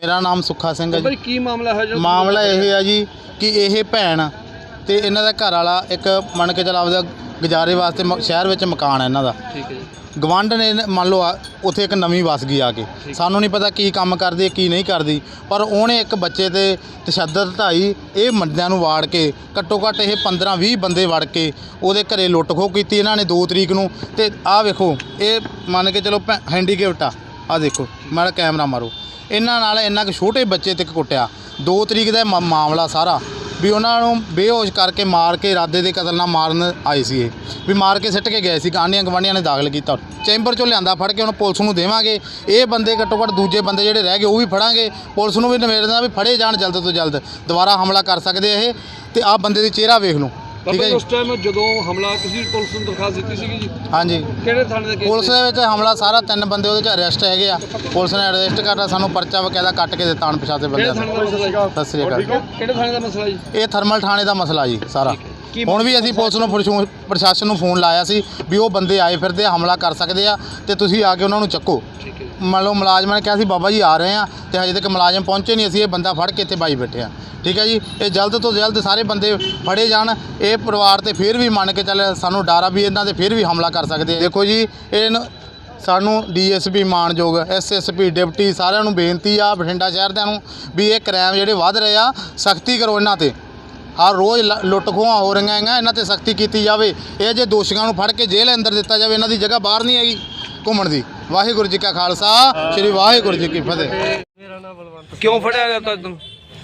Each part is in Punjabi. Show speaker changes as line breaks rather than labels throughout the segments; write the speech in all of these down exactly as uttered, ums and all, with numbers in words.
मेरा नाम सुखा सिंह है जी।
की मामला है?
मामला यह है जी कि यह भैन ते इन्हां दा घर वाला एक मन के चल आपदा गुजारे वास्ते म- शहर विच मकान है इन्हां दा।
ठीक है जी।
गवांढ ने मान लो उत्थे एक नवीं वस गई आके, सानू नहीं पता की काम करदी की नहीं करदी, पर उहने एक बच्चे ते तशद्दद ढाई ये बंदियां नूं वाड़ के घट्टो घट्ट ये पंद्रह भी बंदे वड़ के उहदे घरे लुੱਟ खो कीती इन्हां ने दो तरीक नूं। ते आ वेखो ये मान के चलो हैंडीकेप्ट आ, आ देखो माड़ा कैमरा मारो, इन्हां नाल इन्ना कि छोटे बच्चे तक कुੱਟਿਆ। दो तरीक का मा- मामला सारा भी उन्होंने बेहोश करके मार के इरादे के कतल नाल मारन आए सी, भी मार के सिट के गए सी। आंढियां गवांढियां ने दाखिल किया, चैंबर चों लिआंदा फड़ के उन्होंने पुलिस नूं देवांगे। ये बंदे घट्टो घट्ट दूजे बंदे जिहड़े रह गए वो भी फड़ांगे, पुलिस नूं भी निवेदन भी फड़े जाण जल्द तो जल्द, दोबारा हमला कर सकते ये। ते आ बंदे दा चेहरा वेख लो, ठीक है जी।
उस टाइम जो हमला तुसीं पुलिस नूं दरखास्त दी सी जी?
हाँ जी,
किहड़े थाणे दे केस?
पुलिस दे विच हमला सारा तीन बंदे उहदे च अरेस्ट हैगे आ, पुलिस ने अरेस्ट करता, सानूं परचा वकायदा कट के दित्ता अणपछाते
किहड़े
बंदे।
थाणे दा मसला जी?
सत श्री अकाल।
किहड़े थाणे दा मसला जी?
ਇਹ ਥਰਮਲ ਥਾਣੇ ਦਾ ਮਸਲਾ ਜੀ ਸਾਰਾ। ਹੁਣ ਵੀ ਅਸੀਂ ਪੁਲਿਸ ਨੂੰ ਪ੍ਰਸ਼ੂ- ਪ੍ਰਸ਼ਾਸਨ ਨੂੰ ਫੋਨ ਲਾਇਆ ਸੀ ਵੀ ਉਹ ਬੰਦੇ ਆਏ ਫਿਰਦੇ ਆ, ਹਮਲਾ ਕਰ ਸਕਦੇ ਆ ਤੇ ਤੁਸੀਂ ਆ ਕੇ ਉਹਨਾਂ ਨੂੰ ਚੱਕੋ।
ठीक है।
ਮੰਨ ਲਓ ਮੁਲਾਜ਼ਮਾਂ ਨੇ ਕਿਹਾ ਸੀ ਬਾਬਾ ਜੀ ਆ ਰਹੇ ਆ ਤੇ ਹਜੇ ਤੱਕ ਮੁਲਾਜ਼ਮ ਪਹੁੰਚੇ ਨਹੀਂ, ਅਸੀਂ ਇਹ ਬੰਦਾ ਫੜ ਕੇ ਇੱਥੇ ਬਾਈ ਬੈਠੇ ਆ। ਠੀਕ ਹੈ ਜੀ, ਇਹ ਜਲਦ ਤੋਂ ਜਲਦ ਸਾਰੇ ਬੰਦੇ ਫੜੇ ਜਾਣ। ਇਹ ਪਰਿਵਾਰ ਤੇ ਫਿਰ ਵੀ ਮੰਨ ਕੇ ਚੱਲ ਸਾਨੂੰ ਡਰ ਆ ਵੀ ਇਹਨਾਂ ਤੇ ਫਿਰ ਵੀ ਹਮਲਾ ਕਰ ਸਕਦੇ ਆ। ਦੇਖੋ ਜੀ ਇਹ ਸਾਨੂੰ ਡੀ ਐਸ ਪੀ ਮਾਨਯੋਗ, ਐਸ ਐਸ ਪੀ ਡਿਪਟੀ ਸਾਰਿਆਂ ਨੂੰ ਬੇਨਤੀ ਆ ਬਠਿੰਡਾ ਸ਼ਹਿਰ ਦਿਆਂ ਨੂੰ ਵੀ ਇਹ ਕ੍ਰਾਈਮ ਜਿਹੜੇ ਵੱਧ ਰਹੇ ਆ ਸਖਤੀ ਕਰੋ ਇਹਨਾਂ ਤੇ। ਹਰ ਰੋਜ਼ ਲ- ਲੁੱਟ ਖੋਹਾਂ ਹੋ ਰਹੀਆਂ ਹੈਗੀਆਂ, ਇਹਨਾਂ ਤੇ ਸਖਤੀ ਕੀਤੀ ਜਾਵੇ। ਇਹ ਜੇ ਦੋਸ਼ੀਆਂ ਨੂੰ ਫੜ ਕੇ ਜੇਲ੍ਹ ਅੰਦਰ ਦਿੱਤਾ ਜਾਵੇ, ਇਹਨਾਂ ਦੀ ਜਗ੍ਹਾ ਬਾਹਰ ਨਹੀਂ ਹੈਗੀ ਘੁੰਮਣ ਦੀ। ਵਾਹਿਗੁਰੂ ਜੀ ਕਾ ਖਾਲਸਾ, ਸ੍ਰੀ ਵਾਹਿਗੁਰੂ ਜੀ ਕੀ ਫਤਿਹ।
ਮੇਰਾ ਨਾਮ ਬਲਵੰਤ।
ਕਿਉਂ ਫੜਿਆ ਗਿਆ ਤੁਹਾਨੂੰ?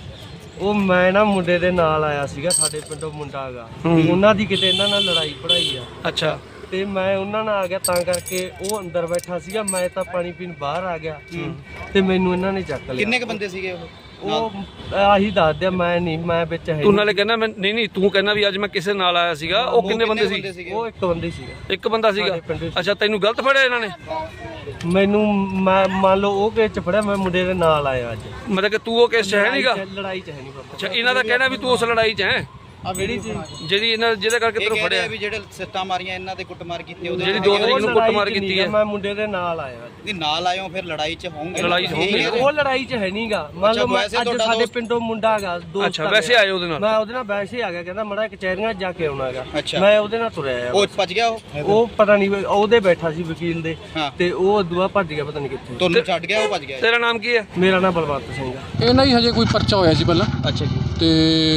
ਉਹ ਮੈਂ ਨਾ ਮੁੰਡੇ ਦੇ ਨਾਲ ਆਇਆ ਸੀਗਾ, ਸਾਡੇ ਪਿੰਡੋਂ ਮੁੰਡਾ ਹੈਗਾ, ਉਹਨਾਂ ਦੀ ਕਿਤੇ ਇਹਨਾਂ ਨਾਲ ਲੜਾਈ ਪੜਾਈ ਆ।
ਅੱਛਾ।
ਤੇ ਮੈਂ ਉਹਨਾਂ ਨਾਲ ਆ ਗਿਆ, ਤਾਂ ਕਰਕੇ ਉਹ ਅੰਦਰ ਬੈਠਾ ਸੀਗਾ, ਮੈਂ ਤਾਂ ਪਾਣੀ ਪੀਣ ਬਾਹਰ ਆ ਗਿਆ ਤੇ ਮੈਨੂੰ ਇਹਨਾਂ ਨੇ ਚੱਕ ਲਿਆ।
ਕਿੰਨੇ ਕ ਬੰਦੇ ਸੀਗੇ ਉਹ?
ਉਹ ਆਹੀ ਦੱਸ ਦਿਆ, ਮੈਂ ਨਹੀਂ, ਮੈਂ ਵਿੱਚ ਹੈ
ਤੂੰ ਨਾਲੇ ਕਹਿੰਦਾ ਮੈਂ ਨਹੀਂ ਨਹੀਂ ਤੂੰ ਕਹਿੰਦਾ ਵੀ ਅੱਜ ਮੈਂ ਕਿਸੇ ਨਾਲ ਆਇਆ ਸੀਗਾ। ਉਹ ਕਿੰਨੇ ਬੰਦੇ ਸੀ?
ਉਹ ਇੱਕ ਬੰਦੇ ਸੀਗਾ,
ਇੱਕ ਬੰਦਾ ਸੀਗਾ।
ਸਾਡੇ ਪਿੰਡ ਚ।
ਅੱਛਾ, ਤੈਨੂੰ ਗਲਤ ਫੜਿਆ ਇਹਨਾਂ ਨੇ?
ਮੈਨੂੰ ਮੈਂ ਮੰਨ ਲਓ ਉਹ ਕੇਸ ਚ ਫੜਿਆ, ਮੈਂ ਮੁੰਡੇ ਦੇ ਨਾਲ ਆਇਆ ਅੱਜ।
ਮਤਲਬ ਕਿ ਤੂੰ ਉਹ ਕੇਸ 'ਚ ਹੈ ਨਹੀਂਗਾ?
ਲੜਾਈ ਚ ਹੈ ਨਹੀਂ ਬਾਬਾ।
ਅੱਛਾ, ਇਹਨਾਂ ਦਾ ਕਹਿਣਾ ਵੀ ਤੂੰ ਉਸ ਲੜਾਈ 'ਚ ਹੈ
ਜਿਹੜੀ
ਜਿਹੜੀ ਇਹਨਾਂ ਜਿਹਦੇ ਕਰਕੇ ਤੈਨੂੰ ਫੜਿਆ,
ਵੀ ਜਿਹੜੇ ਸੱਟਾਂ ਮਾਰੀਆਂ ਇਹਨਾਂ ਤੇ ਕੁੱਟਮਾਰ ਕੀਤੀ ਉਹਦੇ
ਜਿਹੜੀ ਦੋ ਤਰੀਕ ਨੂੰ ਕੁੱਟਮਾਰ ਕੀਤੀ ਹੈ।
ਮੈਂ ਮੁੰਡੇ ਦੇ ਨਾਲ ਆਇਆ ਅੱਜ।
ਨਹੀਂ ਨਾਲ ਆਇਓ ਫਿਰ ਲੜਾਈ 'ਚ ਹੋਣਗੇ।
ਲੜਾਈ 'ਚ ਹੋਣਗੇ।
ਉਹ ਲੜਾਈ ਚ ਹੈ ਨਹੀਂਗਾ, ਮੰਨ ਲਓ ਮੈਂ ਅੱਜ ਸਾਡੇ ਪਿੰਡੋਂ ਮੁੰਡਾ ਹੈਗਾ ਦੋਸਤ।
ਅੱਛਾ, ਵੈਸੇ ਆਏ ਉਹਦੇ ਨਾਲ?
ਮੈਂ ਉਹਦੇ ਨਾਲ ਵੈਸੇ ਆ ਗਿਆ, ਕਹਿੰਦਾ ਮੜਾ ਕਚਹਿਰੀਆਂ ਜਾ ਕੇ ਆਉਣਾ ਹੈਗਾ।
ਅੱਛਾ।
ਮੈਂ ਉਹਦੇ ਨਾਲ ਤੁਰਿਆ ਆ।
ਉਹ ਭੱਜ ਗਿਆ ਉਹ?
ਉਹ ਪਤਾ ਨਹੀਂ ਉਹਦੇ ਬੈਠਾ ਸੀ ਵਕੀਲ ਦੇ,
ਹਾਂ।
ਤੇ ਉਹ ਦੁਆ ਭੱਜ ਗਿਆ, ਪਤਾ ਨਹੀਂ ਕਿੱਥੇ।
ਤੁਹਾਨੂੰ ਛੱਡ ਗਿਆ ਉਹ ਭੱਜ ਗਿਆ?
ਤੇਰਾ ਨਾਮ ਕੀ ਹੈ?
ਮੇਰਾ ਨਾਮ ਬਲਵੰਤ ਸਿੰਘ ਆ।
ਇਹਨਾਂ ਹੀ ਹਜੇ ਕੋਈ ਪਰਚਾ ਹੋਇਆ ਸੀ ਪਹਿਲਾਂ,
ਅੱਛਾ ਜੀ।
ਤੇ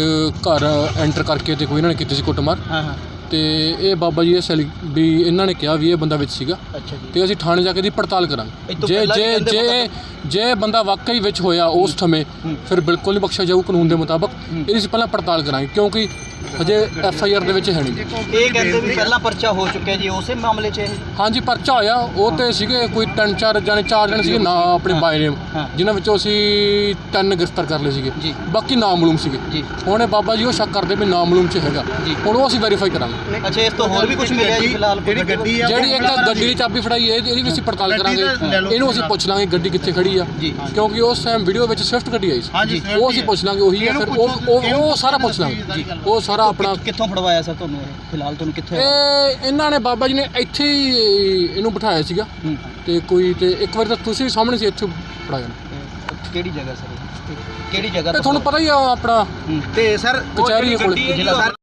ਘਰ ਐਂਟਰ ਕਰਕੇ ਤੇ ਕੋਈ ਇਹਨਾਂ ਨੇ ਕੀਤੀ ਸੀ ਕੁੱਟਮਾਰ।
ਹਾਂ ਹਾਂ।
ਤੇ ਇਹ ਬਾਬਾ ਜੀ ਇਹ ਸੈਲੀ ਵੀ ਇਹਨਾਂ ਨੇ ਕਿਹਾ ਵੀ ਇਹ ਬੰਦਾ ਵਿੱਚ ਸੀਗਾ,
ਅੱਛਾ ਜੀ।
ਤੇ ਅਸੀਂ ਥਾਣੇ ਜਾ ਕੇ ਦੀ ਪੜਤਾਲ
ਇਹ
ਕਰਾਂਗੇ।
ਤੋਂ
ਜੇ
ਪਹਿਲਾਂ ਵੀ
ਜੇ
ਕਹਿੰਦੇ
ਜੇ ਜੇ ਬੰਦਾ ਵਾਕਈ ਵਿੱਚ ਹੋਇਆ ਉਸ ਸਮੇਂ, ਫਿਰ ਬਿਲਕੁਲ ਨਹੀਂ ਬਖਸ਼ਿਆ ਜਾਊ ਕਾਨੂੰਨ ਦੇ ਮੁਤਾਬਕ। ਇਹਦੀ ਅਸੀਂ ਪਹਿਲਾਂ ਪੜਤਾਲ ਕਰਾਂਗੇ, ਕਿਉਂਕਿ ਹਜੇ ਐਫ ਆਈ ਆਰ ਦੇ ਵਿੱਚ ਹੈ ਨਹੀਂ।
ਇਹ ਕਹਿੰਦੇ ਵੀ ਪਹਿਲਾਂ ਪਰਚਾ ਹੋ ਚੁੱਕਿਆ ਜੀ ਉਸੇ ਮਾਮਲੇ 'ਚ ਇਹ?
ਹਾਂਜੀ, ਪਰਚਾ ਹੋਇਆ, ਉਹ ਤੇ ਸੀਗੇ ਕੋਈ ਤਿੰਨ ਚਾਰ ਜਾਣੇ ਚਾਰ ਜਣੇ ਸੀਗੇ ਨਾ ਆਪਣੇ ਬਾਈ ਨੇਮ, ਜਿਨ੍ਹਾਂ ਵਿੱਚੋਂ ਅਸੀਂ ਤਿੰਨ ਗ੍ਰਿਫਤਾਰ ਕਰ ਲਏ ਸੀਗੇ, ਬਾਕੀ ਨਾਮਾਲੂਮ ਸੀਗੇ। ਹੁਣ ਇਹ ਬਾਬਾ ਜੀ ਉਹ ਸ਼ੱਕ ਕਰਦੇ ਵੀ ਨਾਮਾਲੂਮ 'ਚ ਹੈਗਾ, ਹੁਣ ਉਹ ਅਸੀਂ ਵੈਰੀਫਾਈ ਕਰਾਂਗੇ।
ਅੱਛਾ, ਇਸ ਤੋਂ ਹੋਰ ਵੀ ਕੁਝ ਮਿਲਿਆ ਜੀ ਫਿਲਹਾਲ? ਜਿਹੜੀ ਗੱਡੀ ਆ,
ਜਿਹੜੀ ਇੱਕ ਗੱਡੀ ਦੀ ਚਾਬੀ ਫੜਾਈ ਹੈ, ਇਹਦੀ ਵੀ ਅਸੀਂ ਪੜਤਾਲ ਕਰਾਂਗੇ। ਇਹਨੂੰ ਅਸੀਂ ਪੁੱਛ ਲਾਂਗੇ ਗੱਡੀ ਕਿੱਥੇ ਖੜੀ ਆ, ਕਿਉਂਕਿ ਉਸ ਟਾਈਮ ਵੀਡੀਓ ਵਿੱਚ ਸਵਿਫਟ ਗੱਡੀ ਆਈ ਸੀ, ਉਹ ਅਸੀਂ ਪੁੱਛ ਲਾਂਗੇ ਉਹੀ ਹੈ। ਫਿਰ ਉਹ ਉਹ ਉਹ ਸਾਰਾ ਪੁੱਛ ਲਾਂਗੇ, ਉਹ ਸਾਰਾ ਆਪਣਾ।
ਕਿੱਥੋਂ ਫੜਵਾਇਆ ਸਰ ਤੁਹਾਨੂੰ ਇਹ? ਫਿਲਹਾਲ ਤੁਹਾਨੂੰ ਕਿੱਥੇ?
ਇਹ ਇਹਨਾਂ ਨੇ ਬਾਬਾ ਜੀ ਨੇ ਇੱਥੇ ਹੀ ਇਹਨੂੰ ਬਿਠਾਇਆ ਸੀਗਾ, ਤੇ ਕੋਈ ਤੇ ਇੱਕ ਵਾਰ ਤਾਂ ਤੁਸੀਂ ਸਾਹਮਣੇ ਸੀ, ਇੱਥੇ ਫੜਾਇਆ।
ਕਿਹੜੀ ਜਗ੍ਹਾ ਸਰ? ਕਿਹੜੀ ਜਗ੍ਹਾ?
ਤੇ ਤੁਹਾਨੂੰ ਪਤਾ ਹੀ ਆ ਆਪਣਾ
ਤੇ ਸਰ
ਕਚਹਿਰੀ ਕੋਲ।
ਜ਼ਿਲ੍ਹਾ ਸਰ